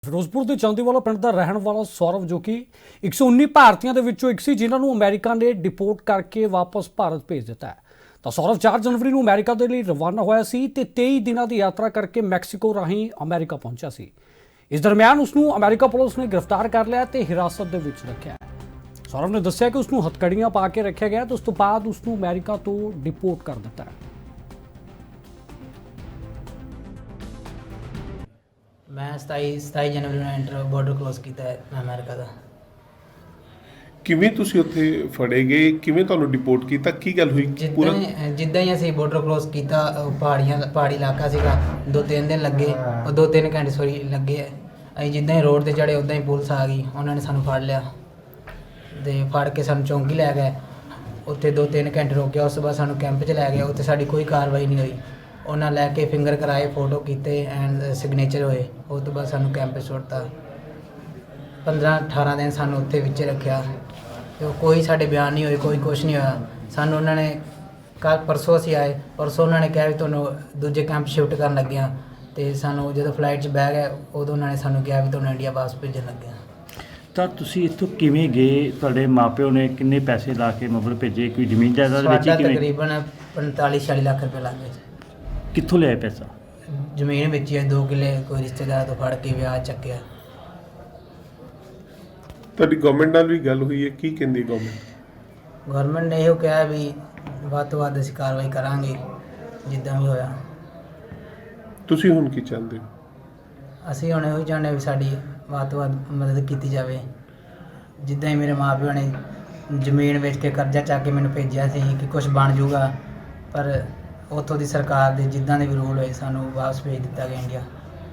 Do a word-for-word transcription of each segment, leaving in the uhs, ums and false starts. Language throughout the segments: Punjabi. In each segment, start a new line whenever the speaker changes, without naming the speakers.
ਫਿਰੋਜ਼ਪੁਰ ਦੇ ਚਾਂਦੀਵਾਲਾ ਪਿੰਡ ਦਾ ਰਹਿਣ ਵਾਲਾ ਸੌਰਵ ਜੋ ਕਿ ਇੱਕ ਸੌ ਉੱਨੀ ਭਾਰਤੀਆਂ ਦੇ ਵਿੱਚੋਂ ਇੱਕ ਸੀ ਜਿਨ੍ਹਾਂ ਨੂੰ ਅਮਰੀਕਾ ਨੇ ਡਿਪੋਰਟ ਕਰਕੇ ਵਾਪਸ ਭਾਰਤ ਭੇਜ ਦਿੱਤਾ ਹੈ। ਤਾਂ ਸੌਰਵ ਚਾਰ ਜਨਵਰੀ ਨੂੰ ਅਮਰੀਕਾ ਦੇ ਲਈ ਰਵਾਨਾ ਹੋਇਆ ਸੀ ਤੇ ਤੇਈ ਦਿਨਾਂ ਦੀ ਯਾਤਰਾ ਕਰਕੇ ਮੈਕਸੀਕੋ ਰਾਹੀਂ ਅਮਰੀਕਾ ਪਹੁੰਚਿਆ ਸੀ। ਇਸ ਦਰਮਿਆਨ ਉਸ ਨੂੰ ਅਮਰੀਕਾ ਪੁਲਿਸ ਨੇ ਗ੍ਰਿਫਤਾਰ ਕਰ ਲਿਆ ਤੇ ਹਿਰਾਸਤ ਦੇ ਵਿੱਚ ਰੱਖਿਆ ਹੈ। ਸੌਰਵ ਨੇ ਦੱਸਿਆ ਕਿ ਉਸ ਨੂੰ ਹੱਥਕੜੀਆਂ ਪਾ ਕੇ ਰੱਖਿਆ ਗਿਆ ਤੇ ਉਸ ਤੋਂ ਬਾਅਦ ਉਸ ਨੂੰ ਅਮਰੀਕਾ ਤੋਂ ਡਿਪੋਰਟ ਕਰ ਦਿੱਤਾ ਹੈ।
मैं सताई सताई जनवरी ਨੂੰ ਐਂਟਰ ਬਾਰਡਰ ਕ੍ਰੋਸ ਕੀਤਾ ਹੈ ਅਮਰੀਕਾ ਦਾ।
ਕਿਵੇਂ ਤੁਸੀਂ ਉੱਥੇ ਫੜੇ ਗਏ, ਕਿਵੇਂ ਤੁਹਾਨੂੰ ਡਿਪੋਰਟ ਕੀਤਾ, ਕੀ ਗੱਲ ਹੋਈ?
ਜਿੱਦਾਂ ਹੀ ਜਿੱਦਾਂ ਹੀ ਅਸੀਂ ਬਾਰਡਰ ਕ੍ਰੋਸ ਕੀਤਾ, ਉਹ ਪਹਾੜੀਆਂ ਪਹਾੜੀ ਇਲਾਕਾ ਸੀਗਾ, ਦੋ ਤਿੰਨ ਦਿਨ ਲੱਗੇ, ਉਹ ਦੋ ਤਿੰਨ ਘੰਟੇ ਸੋਰੀ ਲੱਗੇ। ਅਸੀਂ ਜਿੱਦਾਂ ਹੀ ਰੋਡ ਤੇ ਚੜੇ ਉੱਦਾਂ ਹੀ ਪੁਲਿਸ ਆ ਗਈ, ਉਹਨਾਂ ਨੇ ਸਾਨੂੰ ਫੜ ਲਿਆ ਤੇ ਫੜ ਕੇ ਸਾਨੂੰ ਚੌਂਕੀ ਲੈ ਗਏ। ਉੱਥੇ ਦੋ ਤਿੰਨ ਘੰਟੇ ਰੋਕਿਆ, ਉਸ ਤੋਂ ਬਾਅਦ ਸਾਨੂੰ ਕੈਂਪ 'ਚ ਲੈ ਗਏ। ਉੱਥੇ ਸਾਡੀ ਕੋਈ ਕਾਰਵਾਈ ਨਹੀਂ ਹੋਈ। ਉਹਨਾਂ ਲੈ ਕੇ ਫਿੰਗਰ ਕਰਾਏ, ਫੋਟੋ ਕੀਤੇ ਐਂਡ ਸਿਗਨੇਚਰ ਹੋਏ। ਉਸ ਤੋਂ ਬਾਅਦ ਸਾਨੂੰ ਕੈਂਪ 'ਚ ਸੁੱਟਤਾ। ਪੰਦਰਾਂ ਅਠਾਰਾਂ ਦਿਨ ਸਾਨੂੰ ਉੱਥੇ ਵਿੱਚ ਰੱਖਿਆ ਤੇ ਕੋਈ ਸਾਡੇ ਬਿਆਨ ਨਹੀਂ ਹੋਏ, ਕੋਈ ਕੁਛ ਨਹੀਂ ਹੋਇਆ। ਸਾਨੂੰ ਉਹਨਾਂ ਨੇ ਕੱਲ ਪਰਸੋਂ ਅਸੀਂ ਆਏ, ਪਰਸੋਂ ਉਹਨਾਂ ਨੇ ਕਿਹਾ ਵੀ ਤੁਹਾਨੂੰ ਦੂਜੇ ਕੈਂਪ ਸ਼ਿਫਟ ਕਰਨ ਲੱਗੇ ਹਾਂ। ਤੇ ਸਾਨੂੰ ਜਦੋਂ ਫਲਾਈਟ 'ਚ ਬਹਿ ਗਏ ਉਦੋਂ ਉਹਨਾਂ ਨੇ ਸਾਨੂੰ ਕਿਹਾ ਵੀ ਤੁਹਾਨੂੰ ਇੰਡੀਆ ਵਾਪਸ ਭੇਜਣ ਲੱਗੇ ਹਾਂ।
ਤਾਂ ਤੁਸੀਂ ਇੱਥੋਂ ਕਿਵੇਂ ਗਏ? ਤੁਹਾਡੇ ਮਾਪਿਓ ਨੇ ਕਿੰਨੇ ਪੈਸੇ ਲਾ ਕੇ ਮਤਲਬ ਭੇਜੇ? ਕੋਈ ਜ਼ਮੀਨ ਜਾਇਦਾਦ ਵਿੱਚ
ਸਾਡਾ
ਕਿਵੇਂ?
ਤਕਰੀਬਨ ਪੰਤਾਲੀ ਛਿਆਲੀ ਲੱਖ ਰੁਪਏ ਲੱਗ ਗਏ।
ਕਿੱਥੋਂ ਲਿਆਏ ਪੈਸਾ?
ਜ਼ਮੀਨ ਵੇਚੀ ਹੈ, ਦੋ ਕਿੱਲੇ ਕੋਈ ਰਿਸ਼ਤੇਦਾਰ ਤੋਂ ਫੜ ਕੇ ਵਿਆਹ ਚੱਕਿਆ।
ਤੁਹਾਡੀ ਗਵਰਨਮੈਂਟ ਨਾਲ ਵੀ ਗੱਲ ਹੋਈ ਹੈ, ਕੀ ਕਹਿੰਦੀ ਗਵਰਨਮੈਂਟ?
ਗਵਰਨਮੈਂਟ ਨੇ ਇਹੋ ਕਿਹਾ ਵੀ ਵੱਧ ਤੋਂ ਵੱਧ ਅਸੀਂ ਕਾਰਵਾਈ ਕਰਾਂਗੇ ਜਿੱਦਾਂ ਵੀ ਹੋਇਆ।
ਤੁਸੀਂ ਹੁਣ ਕੀ ਚਾਹੁੰਦੇ ਹੋ?
ਅਸੀਂ ਹੁਣ ਇਹੋ ਹੀ ਚਾਹੁੰਦੇ ਵੀ ਸਾਡੀ ਵੱਧ ਤੋਂ ਵੱਧ ਮਦਦ ਕੀਤੀ ਜਾਵੇ। ਜਿੱਦਾਂ ਹੀ ਮੇਰੇ ਮਾਂ ਪਿਓ ਨੇ ਜ਼ਮੀਨ ਵੇਚ ਕੇ ਕਰਜ਼ਾ ਚੱਕ ਕੇ ਮੈਨੂੰ ਭੇਜਿਆ ਸੀ ਕਿ ਕੁਝ ਬਣ ਜਾਊਗਾ, ਪਰ ਉੱਥੋਂ ਦੀ ਸਰਕਾਰ ਦੇ ਜਿੱਦਾਂ ਦੇ ਵੀ ਰੂਲ ਹੋਏ ਸਾਨੂੰ ਵਾਪਸ ਭੇਜ ਦਿੱਤਾ ਗਿਆ ਇੰਡੀਆ।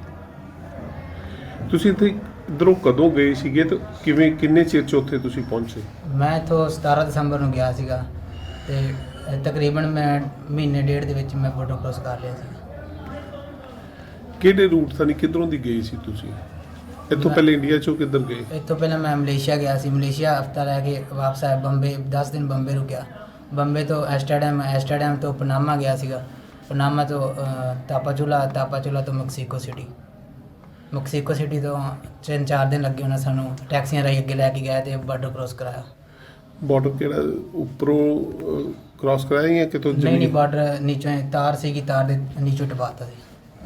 ਤੁਸੀਂ ਇੱਥੇ ਇੱਧਰੋਂ ਕਦੋਂ ਗਏ ਸੀਗੇ ਤੇ ਕਿਵੇਂ, ਕਿੰਨੇ ਚਿਰ 'ਚ ਉੱਥੇ ਤੁਸੀਂ ਪਹੁੰਚੇ?
ਮੈਂ ਇੱਥੋਂ ਸਤਾਰਾਂ ਦਸੰਬਰ ਨੂੰ ਗਿਆ ਸੀਗਾ ਤੇ ਤਕਰੀਬਨ ਮੈਂ ਮਹੀਨੇ ਡੇਢ ਦੇ ਵਿੱਚ ਮੈਂ ਬਾਰਡਰ ਕ੍ਰੋਸ ਕਰ ਲਿਆ ਸੀ।
ਕਿਹੜੇ ਰੂਟ ਤੋਂ, ਕਿੱਧਰੋਂ ਦੀ ਗਏ ਸੀ ਤੁਸੀਂ? ਇੱਥੋਂ ਪਹਿਲੇ ਇੰਡੀਆ 'ਚੋਂ ਕਿੱਧਰ ਗਏ?
ਇੱਥੋਂ ਪਹਿਲਾਂ ਮੈਂ ਮਲੇਸ਼ੀਆ ਗਿਆ ਸੀ। ਮਲੇਸ਼ੀਆ ਹਫਤਾ ਰਹਿ ਕੇ ਵਾਪਸ ਆਇਆ। ਬੰਬੇ ਦਸ ਦਿਨ ਬੰਬੇ ਰੁਕਿਆ। ਬੰਬੇ ਤੋਂ ਐਸਟਰਡਮ, ਐਸਟਰਡਮ ਤੋਂ ਪਨਾਮਾ ਗਿਆ ਸੀਗਾ। ਪਨਾਮਾ ਤੋਂ ਤਾਪਾਚੁਲਾ, ਤਾਪਾਚੁਲਾ ਤੋਂ ਮੈਕਸੀਕੋ ਸਿਟੀ। ਮੈਕਸੀਕੋ ਸਿਟੀ ਤੋਂ ਤਿੰਨ ਚਾਰ ਦਿਨ ਲੱਗੇ। ਉਹਨਾਂ ਸਾਨੂੰ ਟੈਕਸੀਆਂ ਰਾਹੀਂ ਅੱਗੇ ਲੈ ਕੇ ਗਏ ਤੇ ਬਾਰਡਰ ਕ੍ਰੋਸ ਕਰਾਇਆ।
ਬਾਰਡਰ ਕਿਹੜਾ ਉੱਪਰੋਂ ਕ੍ਰਾਸ ਕਰਾਇਆ ਜਾਂ ਕਿਤੋਂ?
ਨਹੀਂ ਨਹੀਂ, ਬਾਰਡਰ ਨੀਚੋਂ ਤਾਰ ਸੀਗੀ, ਤਾਰ ਦੇ ਨੀਚੋਂ ਟਪਾਤਾ ਸੀ।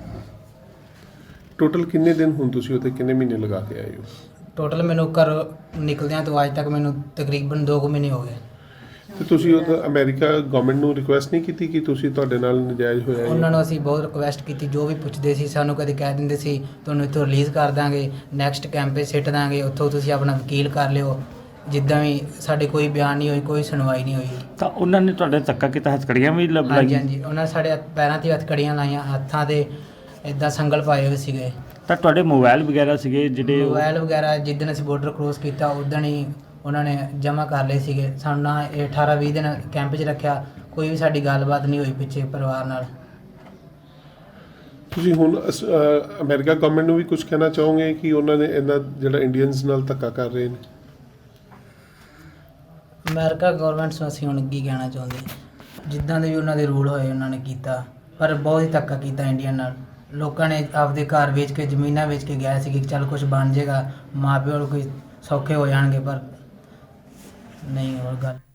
ਟੋਟਲ ਕਿੰਨੇ ਦਿਨ ਹੁਣ ਤੁਸੀਂ ਉੱਥੇ ਕਿੰਨੇ ਮਹੀਨੇ ਲਗਾ ਕੇ ਆਏ ਹੋ?
ਟੋਟਲ ਮੈਨੂੰ ਘਰ ਨਿਕਲਦਿਆਂ ਤੋਂ ਅੱਜ ਤੱਕ ਮੈਨੂੰ ਤਕਰੀਬਨ ਦੋ ਕੁ ਮਹੀਨੇ ਹੋ ਗਏ।
ਤੇ ਤੁਸੀਂ ਉਹ ਅਮਰੀਕਾ ਗਵਰਨਮੈਂਟ ਨੂੰ ਰਿਕੁਐਸਟ ਨਹੀਂ ਕੀਤੀ ਕਿ ਤੁਸੀਂ ਤੁਹਾਡੇ ਨਾਲ ਨਜਾਇਜ਼ ਹੋਇਆ?
ਉਹਨਾਂ ਨੂੰ ਅਸੀਂ ਬਹੁਤ ਰਿਕੁਐਸਟ ਕੀਤੀ, ਜੋ ਵੀ ਪੁੱਛਦੇ ਸੀ ਸਾਨੂੰ ਕਦੇ ਕਹਿ ਦਿੰਦੇ ਸੀ ਤੁਹਾਨੂੰ ਇੱਥੋਂ ਰਿਲੀਜ਼ ਕਰ ਦਾਂਗੇ, ਨੈਕਸਟ ਕੈਂਪ 'ਤੇ ਸਿੱਟ ਦਾਂਗੇ, ਉੱਥੋਂ ਤੁਸੀਂ ਆਪਣਾ ਵਕੀਲ ਕਰ ਲਿਓ। ਜਿੱਦਾਂ ਵੀ ਸਾਡੇ ਕੋਈ ਬਿਆਨ ਨਹੀਂ ਹੋਈ, ਕੋਈ ਸੁਣਵਾਈ ਨਹੀਂ ਹੋਈ।
ਤਾਂ ਉਹਨਾਂ ਨੇ ਤੁਹਾਡੇ ਧੱਕਾ ਕੀਤਾ, ਹੱਥਕੜੀਆਂ ਵੀ ਲੱਗ
ਹਾਂਜੀ
ਲਾਈਆਂ?
ਹਾਂਜੀ, ਉਹਨਾਂ ਨੇ ਸਾਡੇ ਪੈਰਾਂ 'ਤੇ ਹੱਥਕੜੀਆਂ ਲਾਈਆਂ, ਹੱਥਾਂ 'ਤੇ ਇੱਦਾਂ ਸੰਗਲ ਪਾਏ ਹੋਏ ਸੀਗੇ।
ਤਾਂ ਤੁਹਾਡੇ ਮੋਬਾਈਲ ਵਗੈਰਾ ਸੀਗੇ ਜਿਹੜੇ?
ਮੋਬਾਈਲ ਵਗੈਰਾ ਜਿੱਦਣ ਅਸੀਂ ਬਾਰਡਰ ਕ੍ਰੋਸ ਕੀਤਾ ਉਦਣ ਹੀ ਉਹਨਾਂ ਨੇ ਜਮ੍ਹਾਂ ਕਰ ਲਏ ਸੀਗੇ। ਸਾਨੂੰ ਨਾ ਇਹ ਅਠਾਰਾਂ ਵੀਹ ਦਿਨ ਕੈਂਪ 'ਚ ਰੱਖਿਆ, ਕੋਈ ਵੀ ਸਾਡੀ ਗੱਲਬਾਤ ਨਹੀਂ ਹੋਈ ਪਿੱਛੇ ਪਰਿਵਾਰ ਨਾਲ।
ਤੁਸੀਂ ਹੁਣ ਅਸ- ਅ, ਅਮਰੀਕਾ ਗਵਰਨਮੈਂਟ ਨੂੰ ਵੀ ਕੁਝ ਕਹਿਣਾ ਚਾਹੋਗੇ ਕਿ ਉਹਨਾਂ ਨੇ ਇਹਨਾਂ ਜਿਹੜਾ ਇੰਡੀਅਨਸ ਨਾਲ ਧੱਕਾ ਕਰ ਰਹੇ ਨੇ?
ਅਮਰੀਕਾ ਗਵਰਨਮੈਂਟ ਨੂੰ ਅਸੀਂ ਹੁਣ ਕੀ ਕਹਿਣਾ ਚਾਹੁੰਦੇ, ਜਿੱਦਾਂ ਦੇ ਵੀ ਉਹਨਾਂ ਦੇ ਰੂਲ ਹੋਏ ਉਹਨਾਂ ਨੇ ਕੀਤਾ, ਪਰ ਬਹੁਤ ਹੀ ਧੱਕਾ ਕੀਤਾ ਇੰਡੀਆ ਨਾਲ। ਲੋਕਾਂ ਨੇ ਆਪਦੇ ਘਰ ਵੇਚ ਕੇ, ਜ਼ਮੀਨਾਂ ਵੇਚ ਕੇ ਗਏ ਸੀ ਕਿ ਚੱਲ ਕੁਝ ਬਣ ਜਾਏਗਾ, ਮਾਂ ਪਿਓ ਨੂੰ ਕੋਈ ਸੌਖੇ ਹੋ ਜਾਣਗੇ, ਪਰ ਨਹੀਂ ਹੋਰ ਗੱਲ।